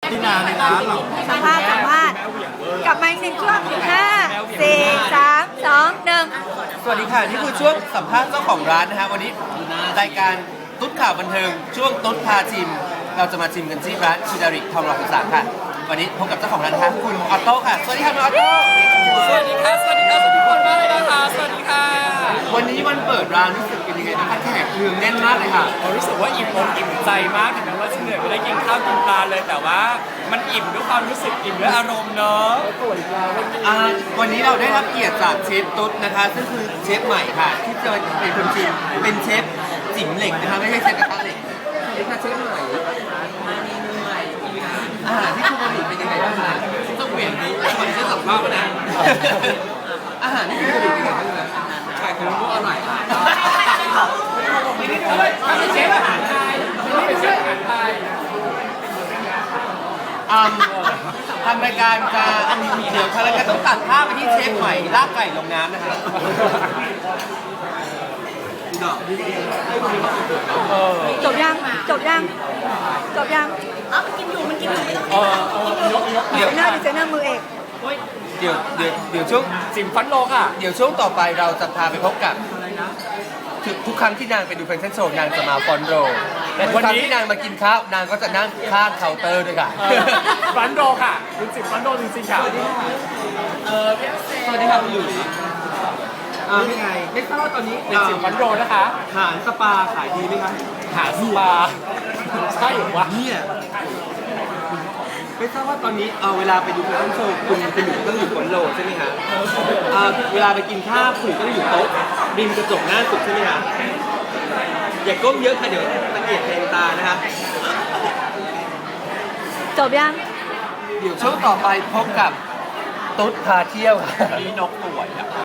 ที่นาในร้านเราสัมภาษณ์กลับมาอีกหนึ่งช่วง5 4 3 2 1 สวัสดีค่ะนี่คือช่วงสัมภาษณ์เจ้าของร้านนะฮะวันนี้รายการตุ๊ดข่าวบันเทิงช่วงตุ๊ดพาชิมเราจะมาชิมกันที่ร้านชิดาริทองหล่อ13ค่ะวันนี้พบกับเจ้าของร้านค่ะคุณออโต้ค่ะสวัสดีค่ะคุณออโต้สวัสดีค่ะสวัสดีทุกคนมากเลยนะคะสวัสดีค่ะวันนี้วันเปิดร้านรู้สึกเป็นยังไงนะคะแขกเนืองแน่นมากเลยค่ะรู้สึกว่าอิ่มอกอิ่มใจมากถึงแม้ว่าจะเหนื่อยไม่ได้กินข้าวกินปลาเลยแต่ว่ามันอิ่มด้วยความรู้สึกอิ่มด้วยอารมณ์เนาะวันนี้เราได้รับเกียรติจากเชฟตุ๊ดนะคะซึ่งคือเชฟใหม่ค่ะที่จะเป็นคนชิมเป็นเชฟจิ๋มเหล็กนะคะไม่ใช่เชฟกระทะเหล็กเชฟใหม่อาหารที่คุณผลิตเป็นยังไงบ้างคะต้องเปลี่ยนนี้คนจะสัมภาษณ์นะอาหารที่คุณผลิตเป็นยังไงบ้างคะไข่ของลูกอร่อยค่ะไม่ใช่เชฟอาหารไทยไม่เป็นเชฟอาหารไทยทำรายการจะเดี๋ยวทางรายการต้องตัดภาพไปที่เชฟใหม่ลากไก่ลงน้ำนะคะจบยังมันกินอยู่ไม่ต้องดีไซเนอร์มือเอกเดี๋ยวช่วงจิมฟันโลค่ะเดี๋ยวช่วงต่อไปเราจะพาไปพบกับทุกครั้งที่นางไปดูแฟชั่นโชว์นางจะมาฟอนโรและทุกครั้งที่นางมากินข้าวนางก็จะนั่งข้างเคาน์เตอร์ด้วยค่ะฟันโรค่ะคุณจิมฟันโรจริงๆค่ะสวัสดีค่ะคุณหลุยเป็นไงไม่ทราบว่าตอนนี้เป็นจิมฟันโรนะคะหารสปาขายดีไหมคะหารสปาใช่หรือวะเนี่ยไม่ทราบว่าตอนนี้เวลาไปดูแฟชั่นโชว์คุณจะอยู่ต้องอยู่ฟอนโรใช่ไหมคะเวลาไปกินข้าวคุณต้องอยู่โต๊ะริมกระจกหน้าสุดใช่ไหมคะอย่าก้มเยอะค่ะเดี๋ยวตะเกียบแทงตานะคะจบยังเดี๋ยวช่วงต่อไปพบกับตุ๊ดพาเที่ยวค่ะมีนกป่วย